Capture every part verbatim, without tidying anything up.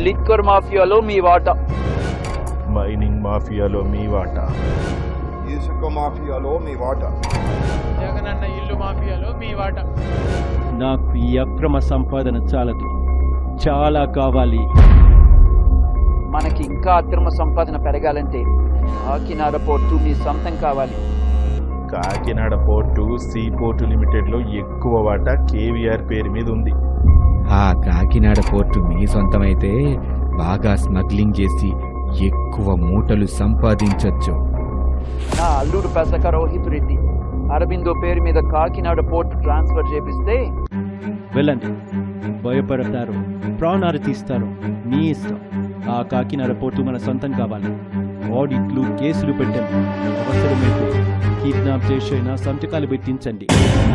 Liquor మాఫియాలో మీ వాటా, mining మాఫియాలో మీ వాటా, ఇసుక మాఫియాలో మీ వాటా, జగనన్న ఇల్లు మాఫియాలో మీ వాటా. నాకు ఈ అక్రమ సంపాదన చాలదు, చాలా కావాలి. మనకి ఇంకా అక్రమ సంపాదన పెరగాలంటే కాకినాడ పోర్టు మీ సొంతం కావాలి. Kakinada port sea port limited లో ఎక్కువ వాటా కేవీఆర్ పేరు మీద ఉంది. ఆ కాకినాడ పోర్టు మీ సొంతమైతే బాగా స్మగ్లింగ్ చేసి ఎక్కువ మూటలు సంపాదించొచ్చు. నా అల్లుడు పెసక రోహిత్ రెడ్డి అరబిందో పేరు మీద కాకినాడ పోర్టు ట్రాన్స్ఫర్ చేపిస్తే వెళ్ళండి, భయపడతారు, ప్రాణాలు తీస్తారు, మీ ఇష్టం. ఆ కాకినాడ పోర్టు మన సొంతం కావాలి. ఆడిట్లు, కేసులు పెట్టండి, అవసరమైతే కిడ్నాప్ చేసైనా సంతకాలు పెట్టించండి.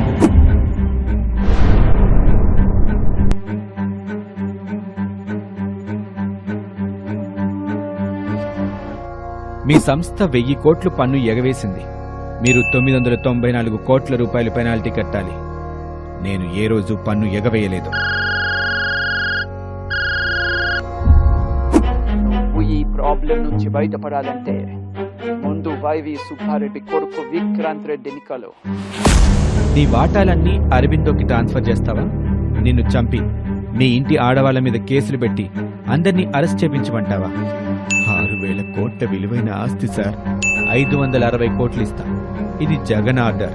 మీ సంస్థ వెయ్యి కోట్లు పన్ను ఎగవేసింది. మీరు తొమ్మిది వందల తొంభై నాలుగు కోట్ల రూపాయలు పెనాల్టీ కట్టాలి. నేను ఏ రోజు పన్ను ఎగవేయలేదు. నువ్వు ఈ ప్రాబ్లం నుంచి బయటపడాలంటే ముందు వైవి సుబ్బారెడ్డి కొడుకు విక్రాంత్ రెడ్డిని కలు. నీ వాటాలన్నీ అరబిందోకి ట్రాన్స్ఫర్ చేస్తావా? నిన్ను చంపి మీ ఇంటి ఆడవాళ్ల మీద కేసులు పెట్టి అందరినీ అరెస్ట్ చేపించమంటావా? ఆరు వేల కోట్ల విలువైన ఆస్తి సార్. ఐదు వందల అరవై కోట్లు ఇస్తా. ఇది జగన్ ఆర్డర్.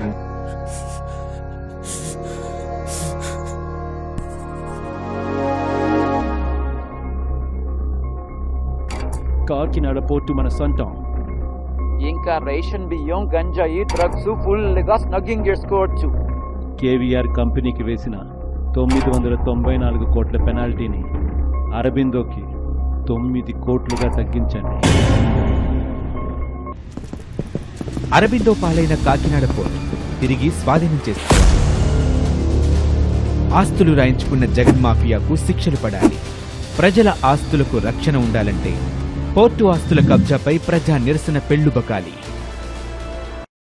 కాకినాడ పోర్టు మన సొంతం. ఇంకా రేషన్ బియ్యం, గంజాయి, డ్రగ్స్ ఫుల్ గా స్నగ్గింగ్ చేసుకోవచ్చు. కేవీఆర్ కంపెనీకి వేసిన తొమ్మిది వందల తొంభై నాలుగు కోట్ల పెనాల్టీని అరబిందోకి తొమ్మిది కోట్లుగా తగ్గించండి. అరబిందో పాలైన కాకినాడ పోర్టు తిరిగి స్వాధీనం చేసుకోవాలి. ఆస్తులు రాయించుకున్న జగన్ మాఫియాకు శిక్షలు పడాలి. ప్రజల ఆస్తులకు రక్షణ ఉండాలంటే పోర్టు ఆస్తుల కబ్జాపై ప్రజా నిరసన పెళ్లుబకాలి.